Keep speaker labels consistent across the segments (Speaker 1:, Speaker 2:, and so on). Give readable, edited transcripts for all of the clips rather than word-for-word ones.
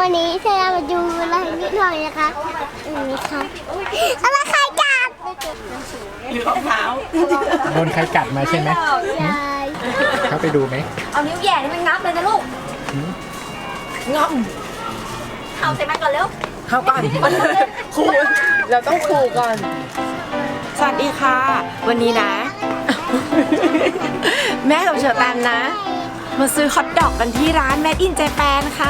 Speaker 1: วันนี้เธอมาดูอะไรนิดหน่อยนะคะนี่ค่ะอะไรใครกัด
Speaker 2: หรือรองเท้า
Speaker 3: โดนใครกัดมาใช่ไหม
Speaker 1: ยาย
Speaker 3: เข้าไปดูไหม
Speaker 4: เอานิ้วแหย่นี่มันงับเลยนะลูก
Speaker 2: ง่อม
Speaker 4: เอาใส่มาก่อนเร็ว
Speaker 2: เข้าก่อนครูเราต้องครูก่อน สวัสดีค่ะ วันนี้นะ แม่กับเชอร์แตมนะ มาซื้อฮอทดอกกันที่ร้าน Made in Japan ค่ะ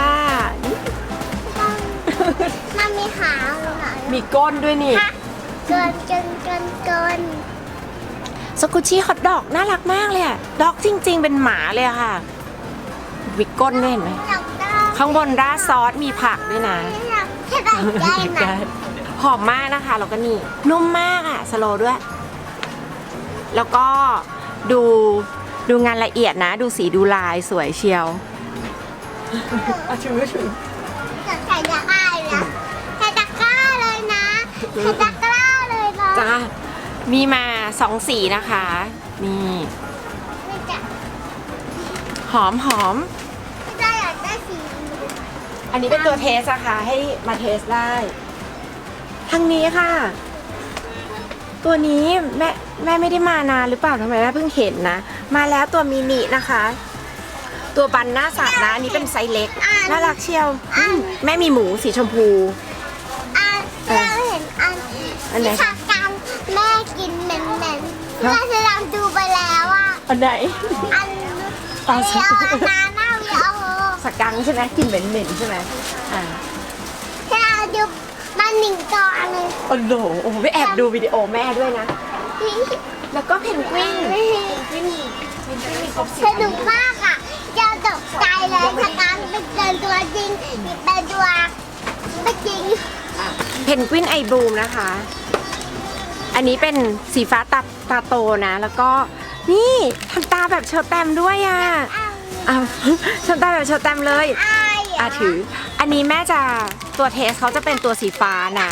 Speaker 1: มันมีขาเลยค่ะ
Speaker 2: มีก้นด้วยนี่
Speaker 1: เกิน
Speaker 2: สกุชี่ฮอทดอกน่ารักมากเลยอะดอกจริง ๆ เป็นหมาเลยอะค่ะวิกก้นเนี่ยเห็นไหม
Speaker 1: อยากได้
Speaker 2: ข้างบนราดซอสมีผักด้วยนะ
Speaker 1: อยากได้ไหม
Speaker 2: หอมมากนะคะแล้วก็นี่นุ่มมากอะสโลว์ด้วย แล้วก็ดูงานละเอียดนะ ดูสีดูลายสวยเชียวถือ
Speaker 1: อยากใส่ตะกร้าเลยใส่ตะกร้าเลยนะใส่ตะกร้าเลยนะ
Speaker 2: จ้ามีมา2 สีนะคะ นี่
Speaker 1: ไม่จะ
Speaker 2: หอม
Speaker 1: ไม่ได้อยากได้สี
Speaker 2: อันนี้เป็นตัวเทสอะค่ะให้มาเทสได้ทางนี้ค่ะ ตัวนี้แม่ไม่ได้มานานหรือเปล่าทำไมแม่เพิ่งเห็นนะ มาแล้วตัวมินินะคะ ตัวบันหน้าสัตว์นะอันนี้เป็นไซส์เล็กน่ารักเชียวแม่มีหมูสีชมพู
Speaker 1: เราเห็น
Speaker 2: อันไหน
Speaker 1: ผักกันแม่กินเหม็นแม่จะลองดูไปแล้วอ่ะ
Speaker 2: อันไหน
Speaker 1: อัน
Speaker 2: ตอน
Speaker 1: เดียวนาหน้าวิดีโอ
Speaker 2: สกังใช่ไหมกลิ่นเหม็นๆใช่ไหมอ่า
Speaker 1: ให้เราดูมันหนึ่งก่อนเลย
Speaker 2: โอ้โหไปแอบดูวิดีโอแม่ด้วยนะ แล้วก็เพนกวินมีครบ10
Speaker 1: สนุกมากอ่ะจะตกใจเลยถ้าการเป็นเดินตัวจริงเป็นตัวไม่จริง
Speaker 2: เพนกวินไอบูมนะคะ อันนี้เป็นสีฟ้าตาโตนะ แล้วก็นี่ทำตาแบบเชอร์แตมด้วยอ่ะอ้าวทำตาแบบเชอร์แตมเลยถือ อันนี้แม่จะตัวเทสเขาจะเป็นตัวสีฟ้านะ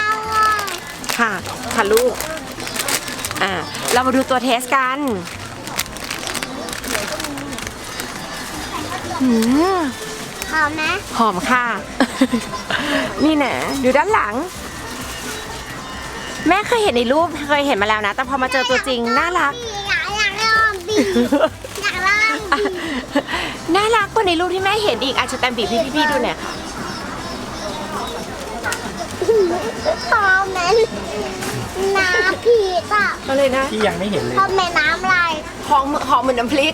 Speaker 2: ค่ะลูกเรามาดูตัวเทสกัน
Speaker 1: หอมไหม
Speaker 2: หอมค่ะ นี่นะดูด้านหลัง แม่เคยเห็นในรูปเคยเห็นมาแล้วนะ แต่พอมาเจอตัวจริงน่ารัก
Speaker 1: อยากลองบีอยากลองบี
Speaker 2: น่ารักกว่าในรูปที่แม่เห็นอีกอาจจะแตมบีพี่ดูหน่อยค่ะ
Speaker 1: หอมเหมือนน้ำผีอ่ะ
Speaker 2: ก็เลยนะ
Speaker 3: ที่ยังไม่เห็นเลย
Speaker 1: หอมเหมือนน้ำอะไร
Speaker 2: หอมเหมือนน้ำพริก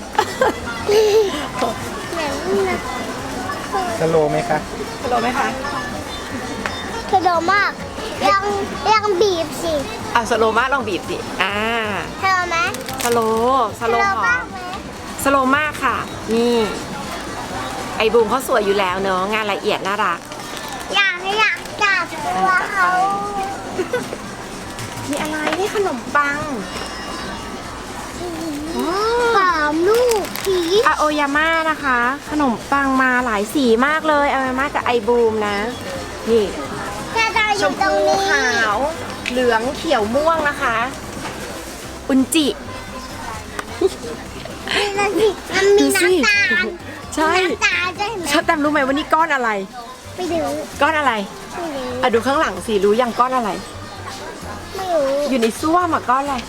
Speaker 1: เหมือนน้
Speaker 3: สโลว์ไหมคะ
Speaker 2: ฮัลโหลไหมคะ
Speaker 1: ำกระโดดมากยังบีบสิ
Speaker 2: สโลมากลองบีบสิ
Speaker 1: เธอไหม
Speaker 2: สโลหอ
Speaker 1: มาม กไหม
Speaker 2: สโลมากค่ะ นี่ ไอบูมเขาสวยอยู่แล้วเนอะงานละเอียดน่ารัก
Speaker 1: อยากจับตัวเขา
Speaker 2: มีอะไรนี่ขนมปัง
Speaker 1: หอมลูกผี
Speaker 2: อาโอยาม่านะคะ ขนมปังมาหลายสีมากเลยอาโอยาม่ากับไอบูมนะ นี่
Speaker 1: แค่เราอ
Speaker 2: ช
Speaker 1: ยู่
Speaker 2: ม
Speaker 1: ตรง
Speaker 2: พู
Speaker 1: นี้
Speaker 2: ขาวเหลืองเขียวม่วงนะคะ อุนจิ
Speaker 1: มันมีน้ำตาล
Speaker 2: ใช่
Speaker 1: น้ำตาลด้วยเห็นไหม
Speaker 2: ชอบแตมรู้ไหมว่านี่ก้อนอะไร
Speaker 1: ไม่รู้
Speaker 2: ก้อนอะไร
Speaker 1: ไม่รู้
Speaker 2: ดูข้างหลังสิรู้ยังก้อนอะไร
Speaker 1: ไม่รู้
Speaker 2: อยู่ในซ่วมอะก้อนอะไร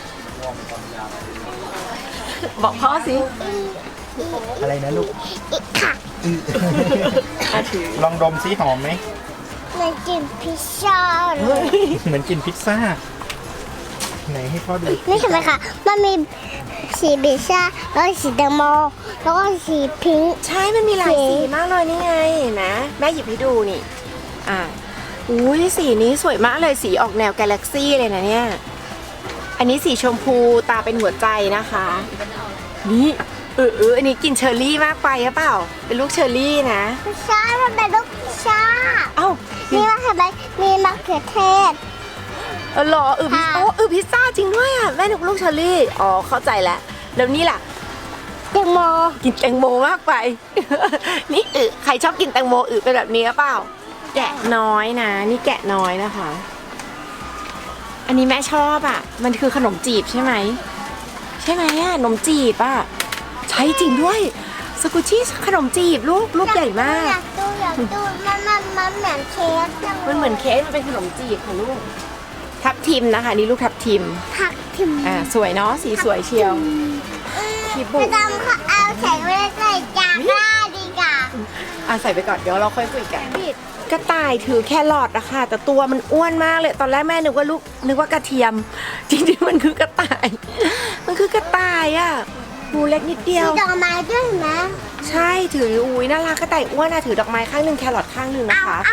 Speaker 2: บอกพ่อสิ
Speaker 3: อะไรนะลูก
Speaker 1: อีกค่ะ
Speaker 2: ถือ
Speaker 3: ลองดมซิหอมไหม
Speaker 1: เหมือนกินพิซซ่าเลย
Speaker 3: เหมือนกินพิซซ่า ไหนให้พ่อดู
Speaker 1: นี่เห็นไหมคะมันมีสีพิซซ่าแล้วก็สีแตงโมแล้วก็สีพิงค์
Speaker 2: ใช่ มันมีหลายสีมากเลยนี่ไงนะแม่หยิบให้ดูนี่ อุ้ยสีนี้สวยมากเลยสีออกแนวกาแล็กซี่เลยนะเนี่ย อันนี้สีชมพูตาเป็นหัวใจนะคะ นี่อันนี้กินเชอร์รี่มากไปหรือเปล่า เป็นลูกเชอร์รี่นะ
Speaker 1: พิซซ่ามันเป็นลูกพิซซ่า
Speaker 2: เอ้า
Speaker 1: นี่ว่าเห็นไหมมีมะเขือเทศ
Speaker 2: เหรอพิซซ่าจริงด้วยอ่ะแม่นึกลูกเชอร์รี่อ๋อเข้าใจแล้วแล้วนี่ล่ะ
Speaker 1: แตงโม
Speaker 2: กินแตงโมมากไป นี่ใครชอบกินแตงโมเป็นแบบนี้หรือเปล่า แกะน้อยนะ นี่แกะน้อยนะคะ อันนี้แม่ชอบอ่ะ มันคือขนมจีบใช่ไหมใช่ไหมอ่ะขนมจีบอ่ะใช่จริงด้วยสกุชี่ขนมจีบลูกใหญ่มาก
Speaker 1: อยากอยากดูมันเหมือนเค้กจัง
Speaker 2: มันเหมือนเค้กมันเป็นขนมจีบค่ะลูก ทับทิมนะคะนี่ลูกทับทิม
Speaker 1: ผักทิม
Speaker 2: สวยเนาะสีสวยเชียว คิบุ
Speaker 1: จะทำเขาเอาใส่ไว้ใส่จานได้ดีกว่า
Speaker 2: ใส่ไปก่อนเดี๋ยวเราค่อยคุยกันกระต่ายถือแครอทอะค่ะแต่ตัวมันอ้วนมากเลยตอนแรกแม่นึกว่ากระเทียม จริงๆมันคือกระต่าย มันคือกระต่ายอะหูเล็กนิดเดียว
Speaker 1: มีดอกไม้ด้วยเห็นไหม
Speaker 2: ใช่ถืออุ้ยน่ารักกระต่ายอ้วนอะถือดอกไม้ข้างหนึ่งแครอทข้างหนึ่งนะคะ
Speaker 1: เอา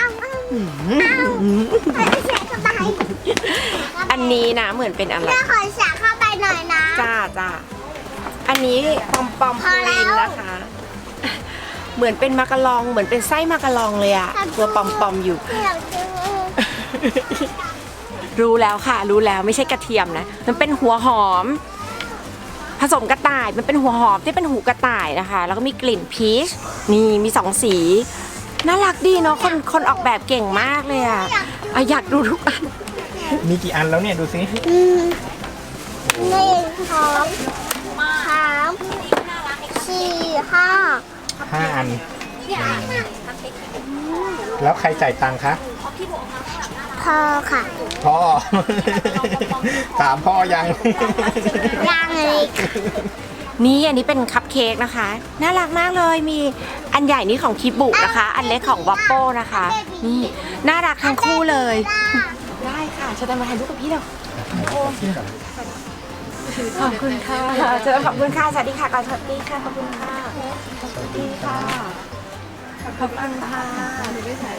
Speaker 1: ไม่ใส่เข้าไป
Speaker 2: อันนี้นะเหมือนเป็นอะไร
Speaker 1: แม่ขอใส่เข้าไปหน่อยนะ
Speaker 2: จ้าอันนี้ปอมปู
Speaker 1: พอแล้
Speaker 2: ริน
Speaker 1: ว
Speaker 2: นะคะ เหมือนเป็นมากะลองเหมือนเป็นไส้มากะลองเลยอะตัวปอมอยู่
Speaker 1: อยากกิน
Speaker 2: รู้แล้วค่ะ รู้แล้วไม่ใช่กระเทียมนะ มันเป็นหัวหอม ผสมกระต่าย มันเป็นหัวหอมที่เป็นหูกระต่ายนะคะ แล้วก็มีกลิ่นพีชนี่มี2 สี น่ารักดีเนาะคนออกแบบเก่งมากเลยอะอยากดูทุกอัน
Speaker 3: มีกี่อันแล้วเนี่ยดูสิ
Speaker 1: 1 2 3 4 5
Speaker 3: 5 อัน แล้วใครจ่ายตังค์คะ
Speaker 1: พอค่ะ
Speaker 3: พ่อ ถามพ่อยัง
Speaker 1: ยังเลย
Speaker 2: นี่อันนี้เป็นคัพเค้กนะคะ น่ารักมากเลยมีอันใหญ่นี่ของคิบุนะคะ อันเล็กของวัปโป้นะคะ นี่น่ารักทั้งคู่เลย ได้ค่ะจะได้มาถ่ายรูปกับพี่เดี๋ยวขอบคุณค่ะเจอขอบคุณค่ะสวัสดีค่ะก่อนสวัสดีค่ะขอบคุณค่ะสวัสดีค่ะขอบคุณค่ะ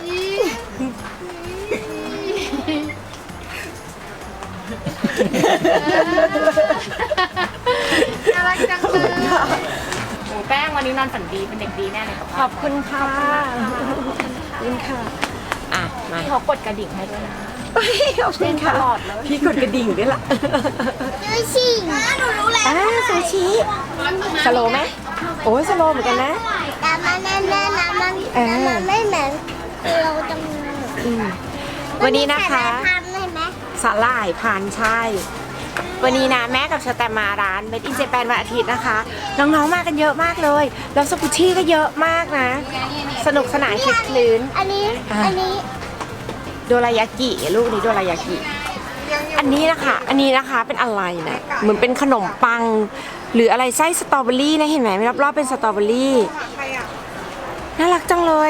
Speaker 4: น่ารักจังเลยโอ้แป้งวันนี้นอนฝันดีเป็นเด็กดีแน่เลย
Speaker 2: ขอบคุณค่ะขอบคุณค่ะมา
Speaker 4: พี่เขากดกระดิ่งให้ด้วยนะ
Speaker 2: ขอบคุณค่ะพี่กดกระดิ่งด้วยล่ะ
Speaker 1: ดูสิหนูรู้แล้ว
Speaker 2: ซูชิสโลว์ไหมโอ้ยสโลว์เหมือนกันนะ
Speaker 1: แต่มันแน่ๆนะมันไม่เหมือนเราจังเลย
Speaker 2: วันนี้นะคะ
Speaker 1: ทำได้ไหม
Speaker 2: สาหร่ายพันใช่ วันนี้นะแม่กับชาแตมมาร้านเมดอินเจแปนวันอาทิตย์นะคะ น้องๆมากันเยอะมากเลยแล้วสกุชชี่ก็เยอะมากนะ สนุกสนานคลึกคลื้น
Speaker 1: อันนี้
Speaker 2: โดรายากิลูกนี้โดรายากิอันนี้นะคะเป็นอะไรนะเหมือนเป็นขนมปัง หรืออะไรไส้สตรอเบอรี่นะเห็นไหมรอบๆเป็นสตรอเบอรี่น่ารักจังเลย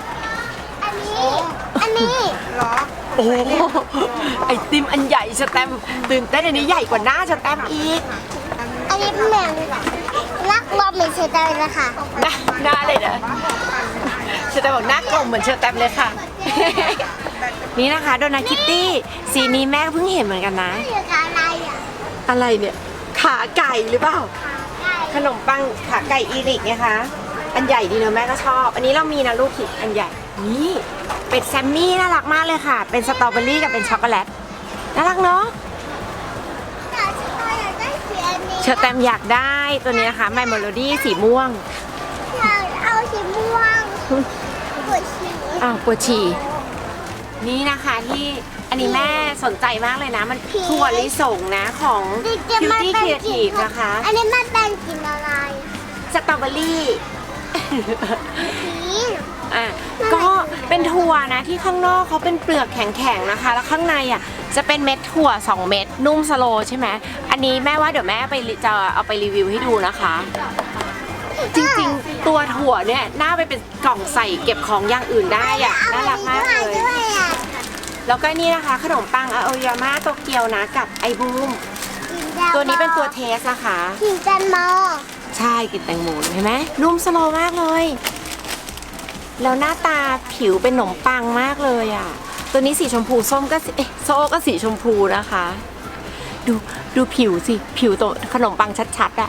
Speaker 1: อันนี้
Speaker 2: โอ้โหไอติมอันใหญ่สแตมป์ตื่นเต้นอันนี้ใหญ่กว่าหน้าสแตมป์อีก
Speaker 1: อันนี้เหมือนนักรบเหมือนเชตเลยนะคะ
Speaker 2: หน้าเลยนะเชอร์แตมบอกหน้ากลมเหมือนเชอร์แตมเลยค่ะ นี่นะคะโดนัทคิตตี้สีนี้แม่ก็เพิ่งเห็นเหมือนกันนะ
Speaker 1: นี่คืออะไรอ่ะ
Speaker 2: อะไรเนี่ยขาไก่หรือเปล่า
Speaker 1: ไก่
Speaker 2: ขนมปังขาไก่อีริกนะคะอันใหญ่ดีเนอะแม่ก็ชอบ อันนี้เรามีนะลูกขิดอันใหญ่นี่เป็ดแซมมี่น่ารักมากเลยค่ะ เป็นสตรอเบอรี่กับเป็นช็อกโกแลตน่ารักเนาะ
Speaker 1: แต่ฉันอยากได้สีอันนี้
Speaker 2: เชอร์แตมอยากได้ตัวนี้นะคะไมโมโลดี้สีม่วง
Speaker 1: อยากเอาสีม่วงปวดฉี่
Speaker 2: ปวดฉี่นี่นะคะที่อันนี้แม่สนใจมากเลยนะ มันถั่วลิสงนะของ Cutie Creative นะคะ
Speaker 1: อันนี้มันเป็นกลิ่นอะไร
Speaker 2: สตรอเบอรี่
Speaker 1: สี
Speaker 2: ก็เป็นถั่วนะที่ข้างนอกเขาเป็นเปลือกแข็งๆนะคะ แล้วข้างในจะเป็นเม็ดถั่ว2 เม็ดนุ่มสโลว์ใช่ไหมอันนี้แม่ว่าเดี๋ยวแม่จะเอาไปรีวิวให้ดูนะคะ จริงๆตัวถั่วเนี่ยน่าไปเป็นกล่องใส่เก็บของอย่างอื่นได้น่ารักมากเลย
Speaker 1: ด้วยอ่ะ
Speaker 2: แล้วก็นี่นะคะขนมปังอาโอยาม่าโตเกียวนะกับไอบูมตัวนี้เป็นตัวเทสนะคะ
Speaker 1: กลิ่นแตงโม
Speaker 2: ใช่กลิ่นแตงโมเห็นไหมนุ่มสโลว์มากเลยแล้วหน้าตาผิวเป็นขนมปังมากเลยตัวนี้สีชมพูส้มก็โซก็สีชมพูนะคะ ดูผิวสิผิวตัวขนมปังชัดๆ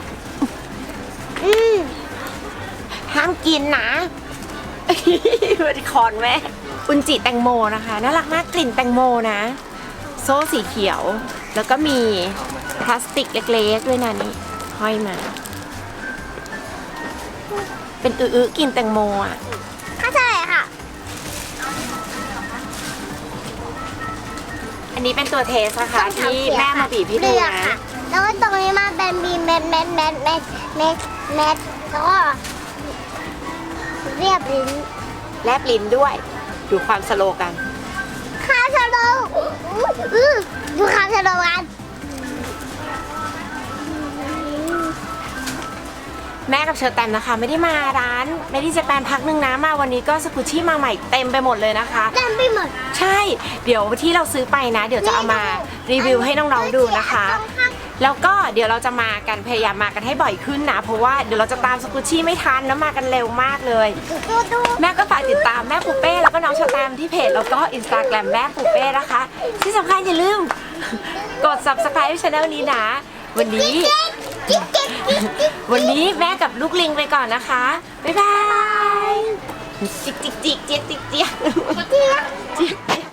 Speaker 2: ห้ามกินนะมันคอนแม่อุนจิแตงโมนะคะน่ารักมากกลิ่นแตงโมนะโซ่สีเขียวแล้วก็มีพลาสติกเล็กๆด้วยนะนี่ห้อยมาเป็นกลิ่นแตงโม
Speaker 1: เข้าใจค่ะ
Speaker 2: อันนี้เป็นตัวเทสนะคะที่แม่มาบีบให้ดูนะ
Speaker 1: แล้วก็ตรงนี้มาเป็นบีเม็ดแล้วก็เรียบลิ้น
Speaker 2: แลบลิ้นด้วย ดูความสโลว์กัน
Speaker 1: ข้าวชะโลดูข้าวชะโลกัน
Speaker 2: แม่กับเชอร์แตมนะคะ ไม่ได้มาร้านไม่ได้จะแปนพักนึงนะมาวันนี้ก็สกุชชี่มาใหม่เต็มไปหมดเลยนะคะ
Speaker 1: เต็มไปหมด
Speaker 2: ใช่ เดี๋ยวที่เราซื้อไปนะ เดี๋ยวจะเอามารีวิวให้น้องๆดูนะคะ แล้วก็เดี๋ยวเราจะมากันพยายามมากันให้บ่อยขึ้นนะ เพราะว่าเดี๋ยวเราจะตามสกุชชี่ไม่ทันแล้วมากันเร็วมากเลย
Speaker 1: ดู
Speaker 2: แม่ก็ฝากติดตามแม่ปูเป้แล้วก็น้องชาแตมที่เพจแล้วก็อินสตาแกรมแม่ปูเป้นะคะ ที่สำคัญอย่าลืมกด subscribe ช่องนี้นะ วันนี้ วันนี้แม่กับลูกลิงไปก่อนนะคะ บ๊ายบาย จิกจิกจิกเจี๊ยกจิกเจี๊ยกเจี๊ยก